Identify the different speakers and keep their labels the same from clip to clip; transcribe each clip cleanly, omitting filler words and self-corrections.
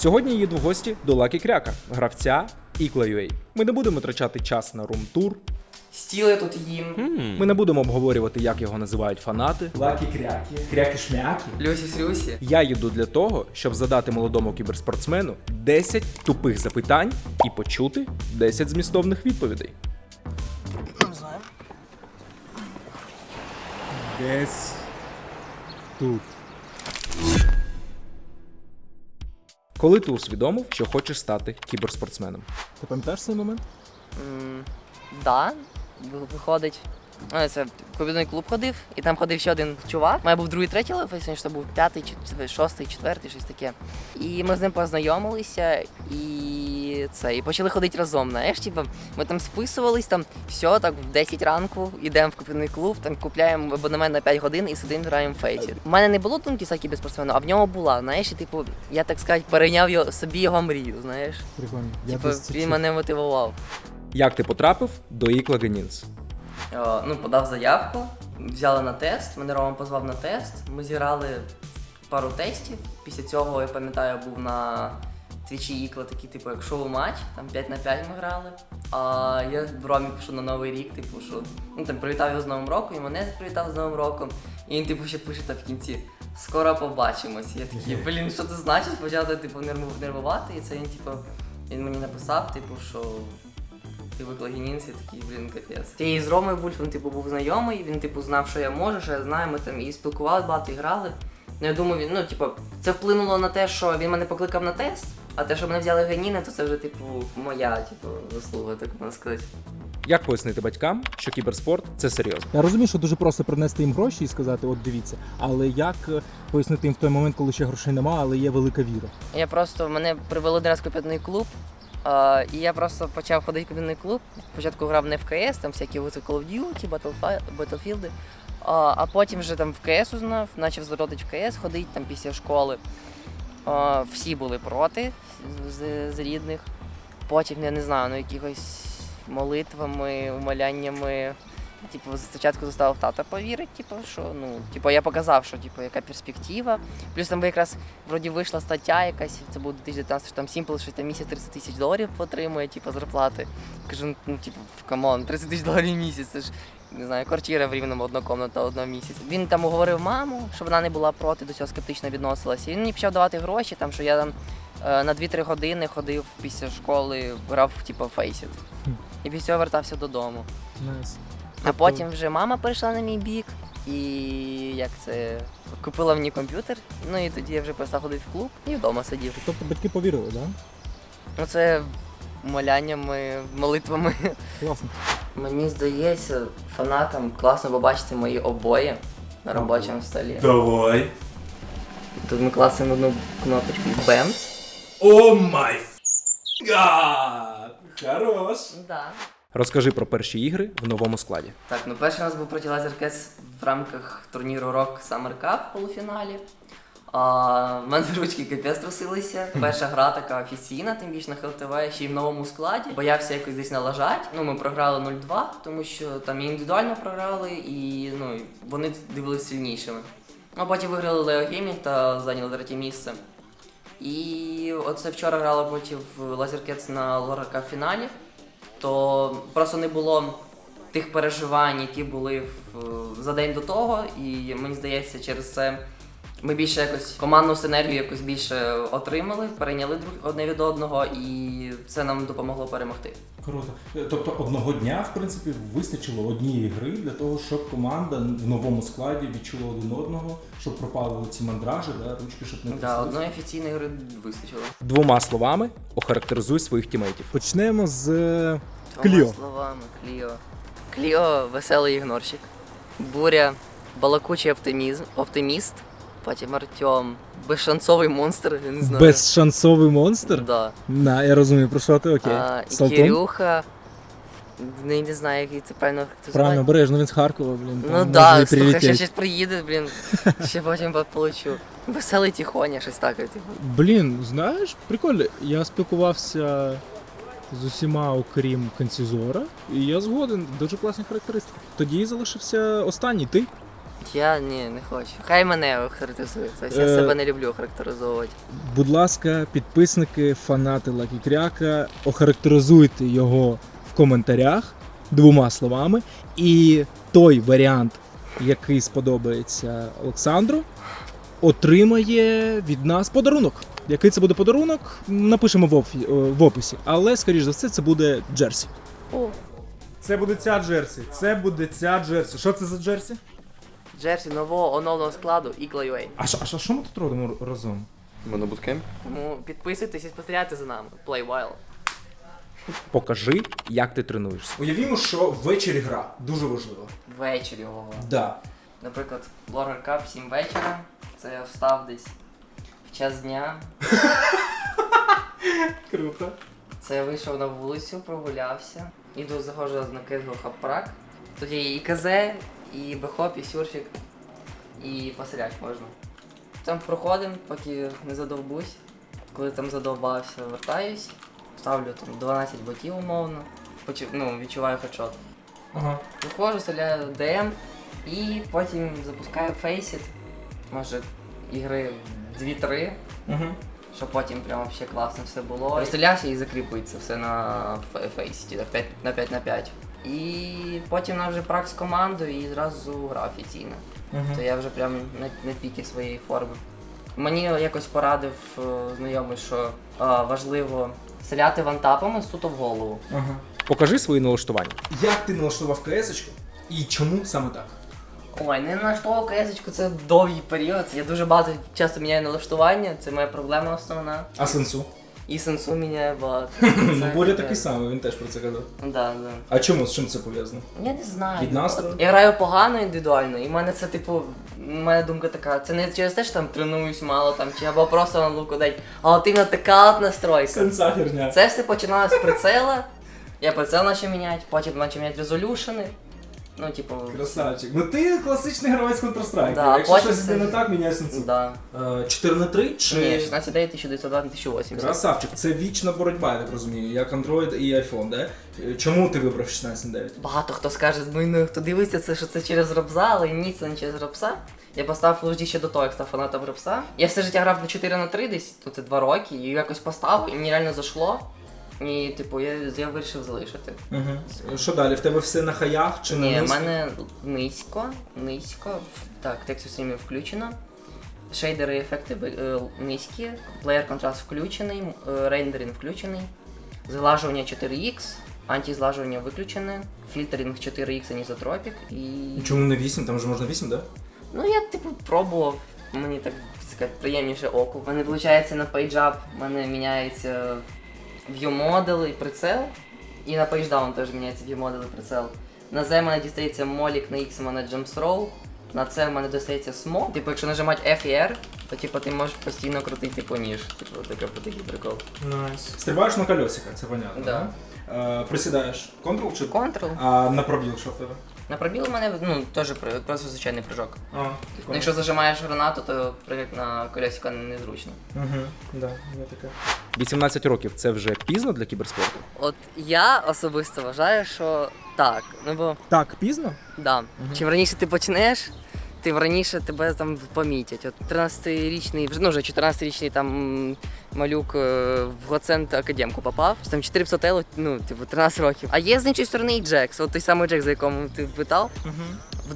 Speaker 1: Сьогодні їду в гості до Лакі Кряка, гравця Ікла.UA. Ми не будемо витрачати час на рум-тур.
Speaker 2: Стіли тут їм.
Speaker 1: Ми не будемо обговорювати, як його називають фанати. Лакі Кряки, Кряки-шмяки.
Speaker 2: Люсі-слюсі.
Speaker 1: Я їду для того, щоб задати молодому кіберспортсмену 10 тупих запитань і почути 10 змістовних відповідей. Десь тут. Коли ти усвідомив, що хочеш стати кіберспортсменом?
Speaker 3: Ти пам'ятаєш цей момент?
Speaker 2: Да, виходить. Ну, це в комп'ютерний клуб ходив, і там ходив ще один чувак. У мене був другий, третій левел, що був п'ятий, шостий, четвертий, щось таке. І ми з ним познайомилися і почали ходити разом. Знаєш, типу, ми там списувались, там все, так в 10 ранку йдемо в комп'ютерний клуб, там купляємо абонемент на 5 годин і сидимо, граємо в фейсі. У мене не було думки стати кіберспортсменом, а в нього була, знаєш, і, типу, я, так сказати, перейняв собі його мрію, знаєш.
Speaker 3: Прикольно.
Speaker 2: Типу, він мене мотивував.
Speaker 1: Як ти потрапив до Ікла Генінс?
Speaker 2: Подав заявку, взяли на тест, мене Рома позвав на тест, ми зіграли пару тестів. Після цього, я пам'ятаю, був на твічі Ікла такий, типу, як шоу-матч, там 5 на 5 ми грали. А я в Ромі пишу на Новий рік, типу, що, там привітав його з Новим роком, і мене привітав з Новим роком. І він, типу, ще пише там в кінці: скоро побачимось. Я такий, що це значить? Почав, типу, нервувати, і це він мені написав, типу, що ти в Ікла.Генінс, я такий, капець. І з Ромою Вульфом, був знайомий, він, знав, що я можу, що я знаю, ми там і спілкувалися багато, і грали. Ну, я думаю, це вплинуло на те, що він мене покликав на тест, а те, що мене взяли Геніна, то це вже, моя, заслуга, так можна сказати.
Speaker 1: Як пояснити батькам, що кіберспорт – це серйозно?
Speaker 3: Я розумію, що дуже просто принести їм гроші і сказати, от дивіться, але як пояснити їм в той момент, коли ще грошей немає, але є велика віра?
Speaker 2: Мене привели один раз в комп'ютерний клуб, і я просто почав ходити в комп'ютерний клуб. Спочатку грав не в КС, там всякі Call of Duty, Battlefield, а потім вже там в КС узнав, почав заходити в КС, ходити там після школи. Всі були проти з рідних. Потім, я не знаю, якихось молитвами, умоляннями. Спочатку заставив тата повірити, що, я показав, що, яка перспектива. Плюс там якраз, вроді, вийшла стаття якась, це був 2019, що там Simple, що там місяць $30 000 отримує, зарплати. Кажу, камон, $30 000 в місяць, це ж, не знаю, квартира в Рівному однокомнатна одного місяця. Він там уговорив маму, щоб вона не була проти, до цього скептично відносилася. І він мені почав давати гроші, там, що я там на 2-3 години ходив після школи, грав, в Faceit. І після цього вертався додому.
Speaker 3: Nice.
Speaker 2: А потім вже мама перейшла на мій бік і купила мені комп'ютер, і тоді я вже перестав ходити в клуб і вдома сидів.
Speaker 3: Тобто батьки повірили, так? Да?
Speaker 2: Це моляннями, молитвами.
Speaker 3: Класно.
Speaker 2: Мені здається, фанатам класно побачити мої обої на робочому столі.
Speaker 1: Давай.
Speaker 2: Тут ми класимо одну кнопочку BAMS.
Speaker 1: О май гад! Хорош!
Speaker 2: Да.
Speaker 1: Розкажи про перші ігри в новому складі.
Speaker 2: Так, перший у нас був проти LaserCats в рамках турніру Rock Summer Cup в полуфіналі. В мене ручки капець трусилися. Перша гра така офіційна, тим більше на ХЛТВ, ще й в новому складі. Боявся якось десь налажати. Ми програли 0-2, тому що там і індивідуально програли, і вони дивилися сильнішими. Потім виграли Leo Gaming та зайняли 3-е місце. І оце вчора грали проти LaserCats на Lora Cup фіналі. То просто не було тих переживань, які були за день до того, і мені здається, через це ми більше якось командну синергію якось більше отримали, перейняли одне від одного, і це нам допомогло перемогти.
Speaker 4: Круто. Тобто одного дня, в принципі, вистачило однієї гри для того, щоб команда в новому складі відчула один одного, щоб пропали ці мандражі, ручки, щоб не
Speaker 2: Так,
Speaker 4: тряслися?
Speaker 2: одної офіційної гри вистачило.
Speaker 1: Двома словами охарактеризуй своїх тімейтів.
Speaker 3: Почнемо з
Speaker 2: Двома
Speaker 3: Кліо.
Speaker 2: словами, Кліо. Кліо – веселий ігнорщик. Буря – балакучий оптиміст. Потім Артем – безшансовий монстр, я не знаю.
Speaker 3: Безшансовий монстр?
Speaker 2: Да.
Speaker 3: Я розумію, про що ти, окей.
Speaker 2: І
Speaker 3: Салтон?
Speaker 2: Кирюха, не знаю, який це правильно
Speaker 3: Правильно, обережно, він з Харкова, блін.
Speaker 2: Ну так, слухай, ще щось приїде, ще потім получу. Веселий тихоня, щось таке.
Speaker 3: Блін, знаєш, прикольно. Я спілкувався з усіма, окрім Канцізора, і я згоден, дуже класні характеристики. Тоді залишився останній, ти?
Speaker 2: Я не хочу. Хай мене охарактеризує. Тобто я себе не люблю характеризовувати.
Speaker 3: Будь ласка, підписники, фанати Лакі Кряка, охарактеризуйте його в коментарях 2 словами. І той варіант, який сподобається Олександру, отримає від нас подарунок. Який це буде подарунок, напишемо в описі. Але, скоріш за все, це буде джерсі.
Speaker 2: О,
Speaker 3: Це буде ця джерсі. Це буде ця джерсі. Що це за джерсі?
Speaker 2: джерсі нового оновленого складу Eagle.ua.
Speaker 3: А що ми тут робимо разом?
Speaker 5: Ми на буткемп?
Speaker 2: Тому підписуйтесь і спостерігайте за нами. Play while.
Speaker 1: Покажи, як ти тренуєшся.
Speaker 3: Уявімо, що ввечері гра. Дуже важливо.
Speaker 2: Ввечері ого.
Speaker 3: Да.
Speaker 2: Наприклад, Blogger Cup 7 вечора. Це я встав десь в час дня.
Speaker 3: Круто.
Speaker 2: Це я вийшов на вулицю, прогулявся. Іду, заходжу на Кетго Хапрак. Тут є і КЗ, і бехоп, і сюрфік, і постріляти можна. Там проходимо, поки не задовбусь. Коли там задовбався, вертаюсь. Ставлю там 12 ботів умовно. Відчуваю хедшот.
Speaker 3: Ага.
Speaker 2: Виходжу, стріляю ДМ і потім запускаю фейсіт. Може ігри 2-3.
Speaker 3: Угу.
Speaker 2: Щоб потім прямо ще класно все було. Розстрілявся і закріпується все на фейсіті, так 5 на 5. І потім нам вже прак з командою і зразу гра офіційна. То я вже прям на піки своєї форми. Мені якось порадив знайомий, що важливо стріляти вантапами суто в голову.
Speaker 3: Ага.
Speaker 1: Покажи свої налаштування.
Speaker 3: Як ти налаштував КС-очку і чому саме так?
Speaker 2: Ой, не налаштовував КС-очку, це довгий період. Я дуже багато часто міняю налаштування, це моя проблема основна.
Speaker 3: А сенсу?
Speaker 2: І сенсу міняє багато.
Speaker 3: Ну, Боря такий самий, він теж про це казав.
Speaker 2: Да.
Speaker 3: А чому? З чим це пов'язано?
Speaker 2: Я не знаю.
Speaker 3: Від настрою?
Speaker 2: Я граю погано індивідуально, і в мене це моя думка така, це не через те, що там тренуюсь мало там, чи або просто на луку дать, а от іменно така от настройка.
Speaker 3: Сенса херня.
Speaker 2: Це все починалося з прицела, я прицел почав міняти, потім почав міняти резолюшени.
Speaker 3: Красавчик. Ну ти класичний гравець Counter-Strike.
Speaker 2: Да,
Speaker 3: Якщо
Speaker 2: потім
Speaker 3: щось
Speaker 2: це-
Speaker 3: йде не так, міняй сенсу.
Speaker 2: Да.
Speaker 3: 4-3 чи...
Speaker 2: Ні, 16.9, 1902, 1080.
Speaker 3: Красавчик, це вічна боротьба, я так розумію, як Android і iPhone, да? Чому ти вибрав 16.9?
Speaker 2: Багато хто скаже, хто дивиться, що це через Робса, але ні, це не через Робса. Я поставив Full HD ще до того, як став фанатом Робса. Я все життя грав на 4/3 десь, це 2 роки, і якось поставив, і мені реально зайшло. І я вирішив залишити.
Speaker 3: Угу. Що далі? В тебе все на хаях чи на
Speaker 2: Ні, в
Speaker 3: низько?
Speaker 2: мене низько. Так, текст стрімів включено. Шейдери і ефекти низькі, плеєр контраст включений, рендеринг включений, зглажування 4X, антизглажування виключене, фільтринг 4X анізотропік і...
Speaker 3: Чому не 8? Там же можна 8, да?
Speaker 2: Ну я пробував, мені так сказати, приємніше оку. У мене виходить на PageUp, в мене міняється view-модел і прицел. І на PageDown теж міняється view-модел і прицел. На Z в мене дістається молік, на X в мене jump throw, на C в мене дістається smoke. Якщо нажимати F і R, то ти можеш постійно крутити ніж. Такий прикол.
Speaker 3: Найс. Стрибаєш на колесика, це понятно,
Speaker 2: Да.
Speaker 3: Присідаєш. Ctrl чи?
Speaker 2: Ctrl.
Speaker 3: А на пробіл що в тебе?
Speaker 2: На пробіл у мене теж просто звичайний прыжок.
Speaker 3: А,
Speaker 2: Ну, якщо зажимаєш гранату, то прыгати на колесико незручно.
Speaker 3: да, є таке.
Speaker 1: 18 років це вже пізно для кіберспорту?
Speaker 2: От я особисто вважаю, що так. Ну бо
Speaker 3: Так, пізно?
Speaker 2: да. Чим раніше ти почнеш, тим раніше тебе там помітять. От 13-річний, вже 14-річний там малюк в Гоцент академку попав. Там 400 ело, 13 років. А є з іншої сторони і Джекс, от той самий Джекс, за якому ти питав. В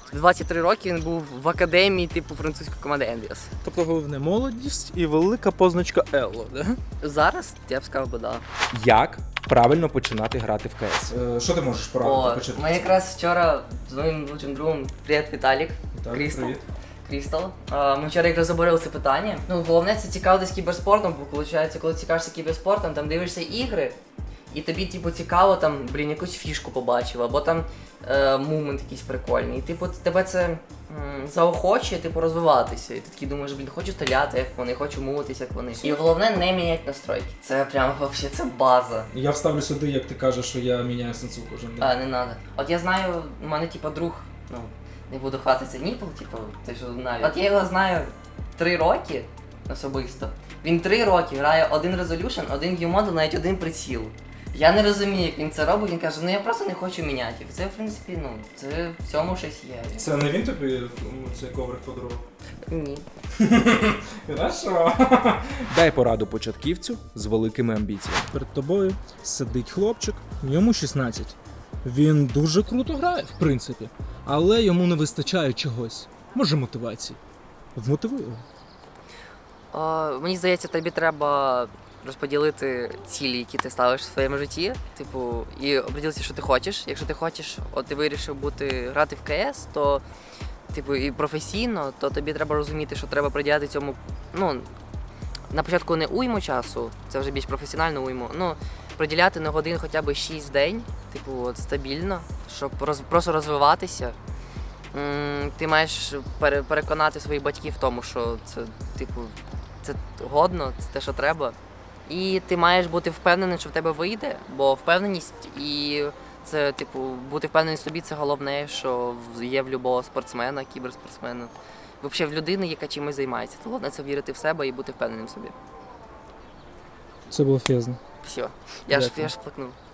Speaker 2: 23 роки він був в академії французької команди Envious.
Speaker 3: Тобто головне молодість і велика позначка Елло, да?
Speaker 2: Зараз я б сказав би да.
Speaker 1: Як правильно починати грати в КС? Що ти можеш порадити?
Speaker 2: Ми якраз вчора з моїм лучшим другом, привіт, Віталік, Крістал.
Speaker 3: Привіт.
Speaker 2: Крістал. Ми вчора якраз обговорили це питання. Головне це цікавитись кіберспортом, бо виходить, коли цікавишся кіберспортом, там дивишся ігри, і тобі цікаво там, якусь фішку побачив, або там мумент якийсь прикольний. І тебе це заохочує розвиватися. І ти такий думаєш, хочу стріляти, як вони, хочу мувитися, як вони. І головне не міняти настройки. Це прям вообще це база.
Speaker 3: Я вставлю сюди, як ти кажеш, що я міняю сенсу кожен день.
Speaker 2: Не надо. От я знаю, у мене друг, не буду хвастатися Ніпл, те, що знаю. От я його знаю 3 роки особисто. Він 3 роки грає один Resolution, один view-модел, навіть один приціл. Я не розумію, як він це робить, він каже, ну я просто не хочу міняти. Це, в принципі, ну, це в цьому щось є.
Speaker 3: Це не він тобі цей коврик подарував?
Speaker 2: Ні.
Speaker 3: Хорошо.
Speaker 1: Дай пораду початківцю з великими амбіціями.
Speaker 3: Перед тобою сидить хлопчик, йому 16. Він дуже круто грає, в принципі, але йому не вистачає чогось. Може, мотивації. Вмотивуй його.
Speaker 2: Мені здається, тобі треба розподілити цілі, які ти ставиш в своєму житті, типу, і оприділитися, що ти хочеш. Якщо ти хочеш, от ти вирішив грати в КС, то типу і професійно, то тобі треба розуміти, що треба приділяти цьому, ну, на початку не уйму часу, це вже більш професіонально уйму. Ну, приділяти на годин хоча б 6 в день, типу, от стабільно, щоб просто розвиватися. Ти маєш переконати своїх батьків в тому, що це, типу, це годно, це те, що треба. І ти маєш бути впевнений, що в тебе вийде, бо впевненість і це, типу, бути впевнений в собі це головне, що є в будь-якого спортсмена, кіберспортсмена. Взагалі в людини, яка чимось займається. То головне це вірити в себе і бути впевненим в собі.
Speaker 3: Це було фезно.
Speaker 2: Все. Я
Speaker 3: Дякую.
Speaker 2: ж плакнув.